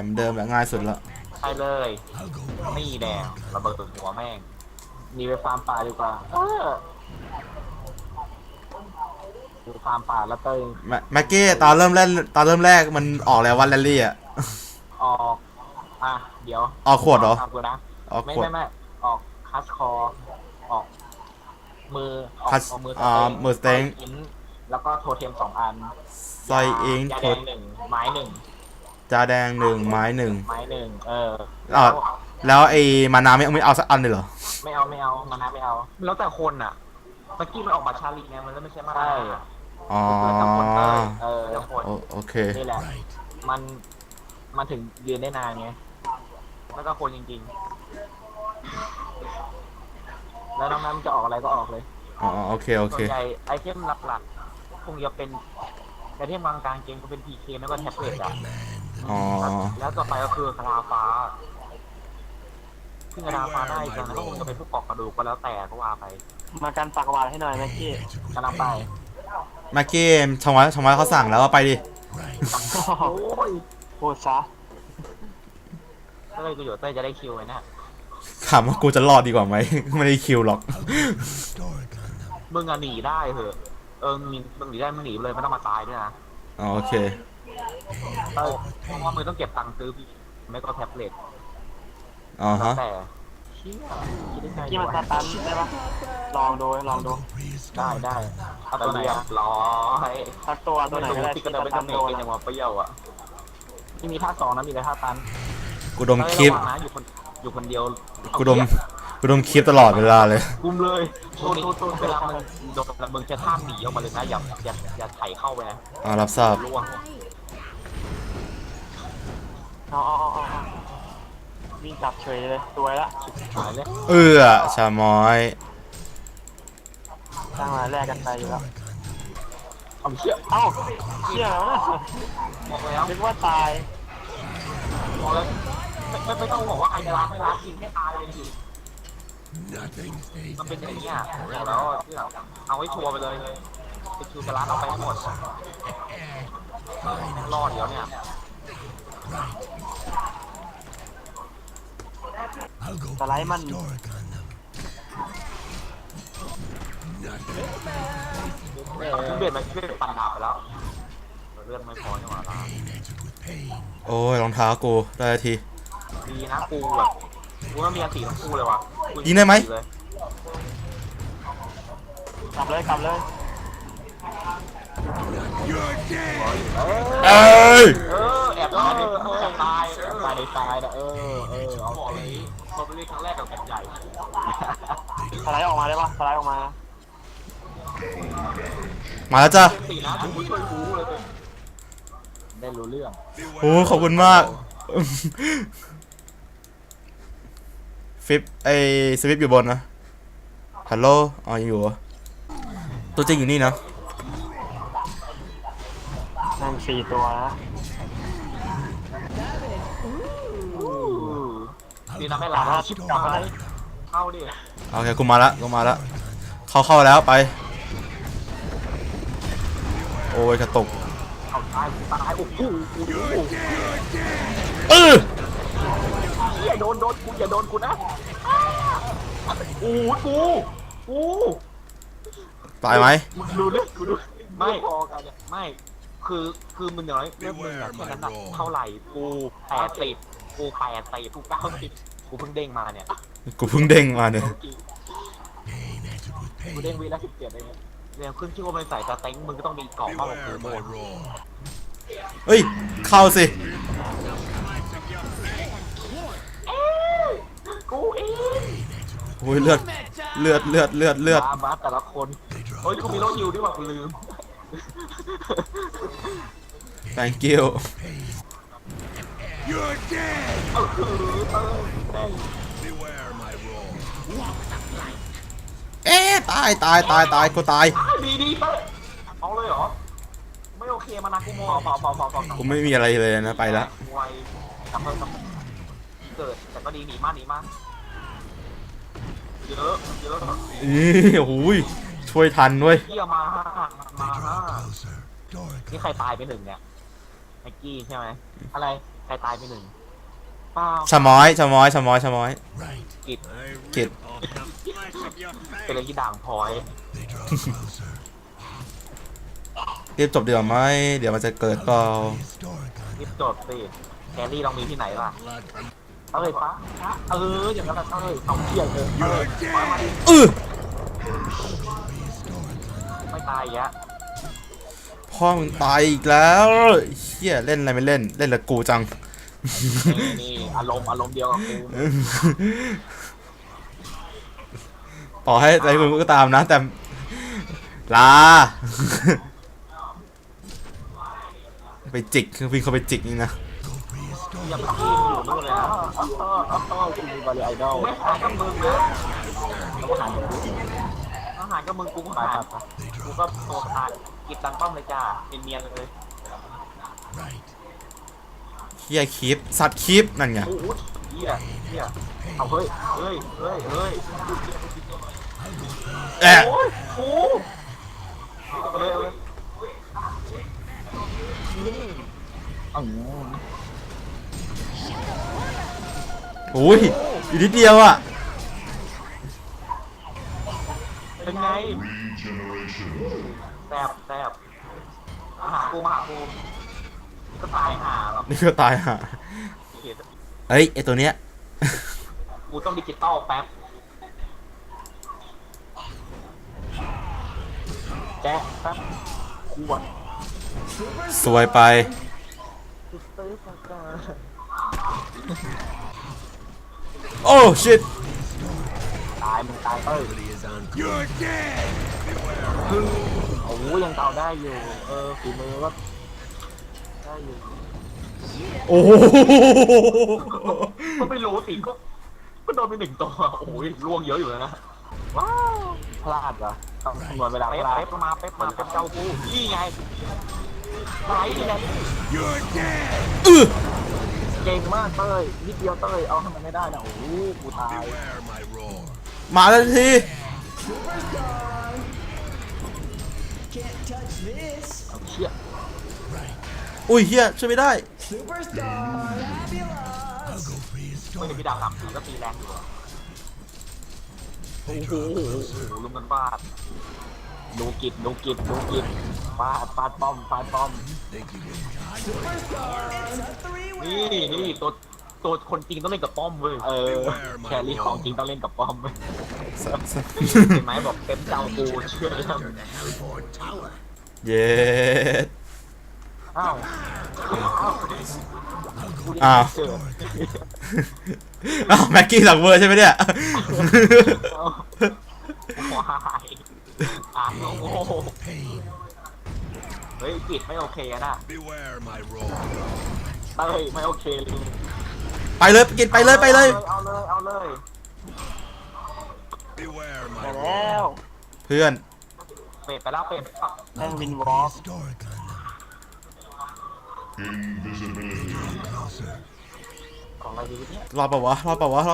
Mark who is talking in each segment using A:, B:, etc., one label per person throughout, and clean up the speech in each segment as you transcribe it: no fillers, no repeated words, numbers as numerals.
A: เหมือนเดิมแหละง่ายสุดละ
B: ใช่เลยนี่แดงระเบิดหัวแม่งมีไปฟาร์มป่าดีกว่าดูฟาร์มป่าแล้วเต้ย
A: แม็กกี้ตอนเริ่มแรกมันออกแล้ววันแรลลี่อ่ะ
B: ออกเดี๋ยว
A: ออกขวดเหรอ
B: ทำกูนะ
A: ออกขวด
B: ไม่ออกคัสคอออกมืออ
A: คัส
B: อกมือ
A: มือสเต็ง
B: แล้วก็โทเทม2 อัน
A: ซอยอิง
B: ยาแดง1 ไม้ 1
A: จาแดง1 ไม้ 1
B: ไม้1
A: แล้วไอ้มานาไม่เอาสักอันเลยเหรอ
B: ไม่เอามานะไม่เอาแล้วแต่คนอ่ะเมื่อกี้มันออกมาชาลีไงมันไม่ใช่มาได้
A: อ๋อโอเค
B: นี่แหละมันถึงยืนได้นานไงแล้วก็คนจริงๆแล้วน้องนั้นจะออกอะไรก็ออกเลย
A: อ๋อโอเค
B: ส่วนใหญ่ไอเทมหลักๆคงจะเป็นไอเทมกลางเกมก็เป็น PK แล้วก็แท็บเล็ตอ่ะแล้วต่อไปก็คือคาราฟ้าซึ่งคาราฟ้าได้กันแล้วก็คงจะเป็นพวกปอกกระดูกก็แล้วแต่ก็ว่าไป
C: มากันปากหวานให้หน่อยแม็กกี้
B: กำลังไป
A: แม็กกี้ชงไว้เขาสั่งแล้วว่าไปดิ
B: โอ้ย
C: พูดซะ
B: เต้ยกูอยู่เต้ยจะได้คิวไว้นะ
A: ถามว่ากูจะรอดดีกว่าไหมไม่ได้คิวหรอก
B: มึงหนีได้เหอะมึงหนีได้มึงหนีเลยไม่ต้องมาตายด้วยนะ
A: โอเค
B: เพราะว่ามึงต้องเก็บตังค์ซื้อไม่ก็แท็บเล็ตแต่เชี่ย
C: กี้มันสตันได้ปะลองดู
B: ได้เอาตัวไหนร้อย
C: สักตัวไหนก็ได้
B: ที่กระโดดไปทำเองอย่างว่าเปรี้ยวอ่ะที่มีท่า2นะมีแต่ท่าตัน
A: กูดมคลิป
B: อยู่คนเดียว
A: กูดมคลิปตลอดเวลาเลย
B: กุมเลยโทษเวลามันโดนมึงจะท่าหนีออกมาเลยนะอย่าไถเข้าไปนะ
A: รับทราบ
C: วิ่งจับเฉยเลยตัวละ
B: หายเลย
A: ชาม้อย
C: ตั้งมาแรกกันไปอยู่แล้ว
B: เชี่ย
C: แล้วนะ
B: บอกแล้ว
C: นึกว่าตาย
B: บอกแล้วไม่ต้องบอกว่าใครจะรักไม่รักจริงแค่ตายเลยจริงมันเป็นอย่างนี้แล้วเอาให้ชัวร์ไปเลยไปคิวจะรักเอาไปให้หมดรอดเดี๋ยวเนี่ย
C: สไลด์มัน
B: เบียดมันปั่นดาบไปแล้วเลือดไม่พอใช่ไหมล่ะ
A: โอ้ยรองเท้ากูได้ที
B: ดีนะกูแบบกูต้องมีอันตีทั้งคู่เลยว่ะ
A: ยิงได้ไหม
C: กลับเลยแอบได้
B: ตายนะเอาบอกเลยมันเป็นครั้งแรกกับแผ่นใหญ่
C: สไลด์ออกมาได้ปะสไลด์ออกมา
A: มาแล้วจ้ะ
B: ตีนะกูช่วยกูเลยได้รู้เรื่อง
A: โอ้ขอบคุณมากฟิปสวิปอยู่บนนะฮัลโหลอยู่ตัวจริงอยู่นี่นะ
C: นั่ง4 ตัวนะ
B: ดีนะไม่หลับชิปกลับมาเข้าดิ
A: โอเคกูมาละเข้าแล้วไปโอ้ยกระตุก
B: ตายโอ้โหอย่าโดนกูอย่าโดนกูนะกู
A: ตายไหม
B: ดูไม่พอกันเนี่ยไม่คือมึงน้อยเรื่องมึงแค่นั้นเท่าไหร่กู80กู80กู90กูเพิ่งเด้งมาเนี่ย
A: กู
B: เด้งวีละ17เองเนี่ยขึ้นชื่อว่าเป็นสายสเต็งมึงก็ต้องมีกล่องมากกว่ากูโมน
A: เฮ้ยเข้าสิ
B: กูเอง
A: โอ้ยเลือด
B: มาแต่ละคนเฮ้ยกูมีโรคฮิวด้วยว่ะกูลืม
A: thank you
D: You're dead
A: ตายกูตาย
B: ดีเอาเลยเหรอไม่โอเคมานะกูโม
A: กูไม่มีอะไรเลยนะไปละ
B: เกิดแต่ก็ดีหนีมากเยอะ
A: โอ้ยช่วยทันด้วย
B: เยี่ยมานี่ใครตายไป1เนี่ยไมกี้ใช่ไหมอะไรใครตายไปหนึ่งเปล่า
A: ชะม้อยชะม้อยชะม้อยชะม้อย
B: กิด
A: กิด
B: เป็นอะไรที่ด่างพลอย
A: รีบจบดีกว่าไหมเดี๋ยวมันจะเกิดเปล่า
B: รีบจดสิแครี่ลองมีที่ไหนล่ะเอาเลยปะอย่างนั้นเอาเลยเอาเที่ยงเลยเอาเลยมาดิ ไม่ตายอีกแล้ว
A: พ่อมึงตายอีกแล้วเฮียเล่นอะไรไม่เล่นเล่นละกูจัง
B: นี่อารมณ์เดียวกับกู
A: ต่อให้ใจมึงก็ตามนะแต่ลา ไปจิกคือวิ่งเข้าไปจิกนี่นะ
B: อย่าไปกินอยู่นู่นเลยนะกูมีบาลีไอดอลไม่หายกับมึงนะต้องหายกับมึงกูหายกูก็โตขาดกิดตังป้อมเลยจ้าเนียนๆเลย
A: เฮียคลิปสัตว์คลิปนั่นไง
B: โอ้โหเฮียเอาเฮ้ย
A: แอะ
B: โอ้ยโอ้เอาเลย
A: อุ้ยอีกนิดเดียวอ่ะ
B: เป็นไงแซบมาหากูก็ตายหาหรอก
A: นี่ก็ตายห่าเอ้ยไอตัวเนี้ย
B: กูต้องดิจิตอลแป๊บแจ๊ะแป๊บขวด
A: สวยไปโอ้ชิต
B: ตายมึงตายโอ้โหยังเตาได้อยู่ฝีมือก็ได้อยู่
A: โอ้โห
B: ก็ไม่รู้สิก็โดนไปหนึ่งตัวโอ้ยล่วงเยอะอยู่นะว้าวพลาดเหรอต้องคำนวณเวลาเป๊ปมาเจ้ากูนี่ไงไหนนี่ไงเก่งมากเต้ยนิดเดียวเต้ยเอาให้มันไม่ได้นะโอ้โหกูตาย
A: มาแล้วที
D: Can't touch this.
B: เอาเชี่ย
A: อุ้ยเฮียช่วยไม่ได้
D: Superstar fabulous.
B: ไม่ได้พี่ดาว3-4ก็ตีแรงอยู่โอ้โหลุมกันฟาดดูกิจฟาดป้อม
D: Superstar. It's a three-way.
B: นี่ตัวคนจริงต้องเล่นกับป้อมเว้ยแครี่ของจริงต้องเล่นกับป้อมเว้ยเห็นไหมบอกเต็มเจ้ากูเชื่อแล้ว
A: เย็ด
B: อ้าว
A: อ้าว
B: เจอ
A: อ้าวแม็กกี้หลังเวอร์ใช่ไหมเนี่ย
B: ว้ายโอ้โหเฮ้ยกิจไม่โอเคนะ
E: Beware my roar.
B: เต้ยไม่โอเคเลย
A: ไปเลยกินไปเลย
B: เอาเลย
E: Beware
C: ไป
E: my
C: แล้ว
A: เพื่อน
B: เป็ดไปแล้วเป็ด
C: แม่งวินวอล์ก
B: ของอะไรดีเนี่ย
A: รอดเปล่าวะ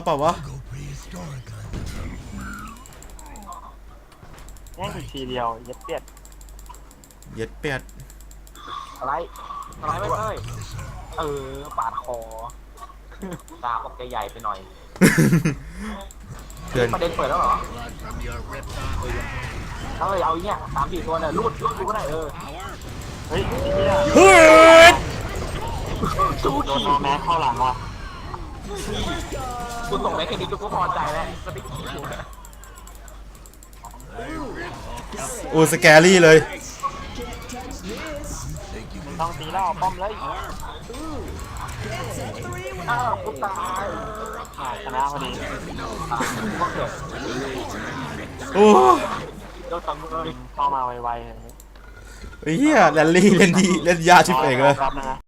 C: แม่งทีเดียวเย็ดเปียด
A: เย็ดเป็ด
B: อะไรไม่เต้ยปาดคอตาออกใหญ่ไปหน่อย
A: เพื่อน
B: ประเด็นเปิดแล้วเหรอ
E: blood from your ripped off
B: เอาอย่างเงี้ย3-4ตัวเนี่ยรูดกูก็ได้
E: power.
C: เฮ้ยไอ้เหี้ย
A: เฮ้ย
B: สู้
C: โดน
B: ขี่
C: นอแม้เข้าหลังว่ะ
B: กูส่งแม็กแค่นี้กูก็พอใจแล้วก็ได้ขี่อยู่นะ
A: โอ้สแกรี่เลย
D: Can't touch this.
C: ต้องตีแล้วป้อมเลย
D: It's a three-way.
B: อ้าวกูตาย
C: ชนะพอดี
B: กูก็เกิด
A: โอ้
B: เจ้าตังเลย
C: เข้ามาไวๆเลย
A: เฮียแรลลี่เล่นดีเล่นยาชิบเอกเลย
C: รับนะ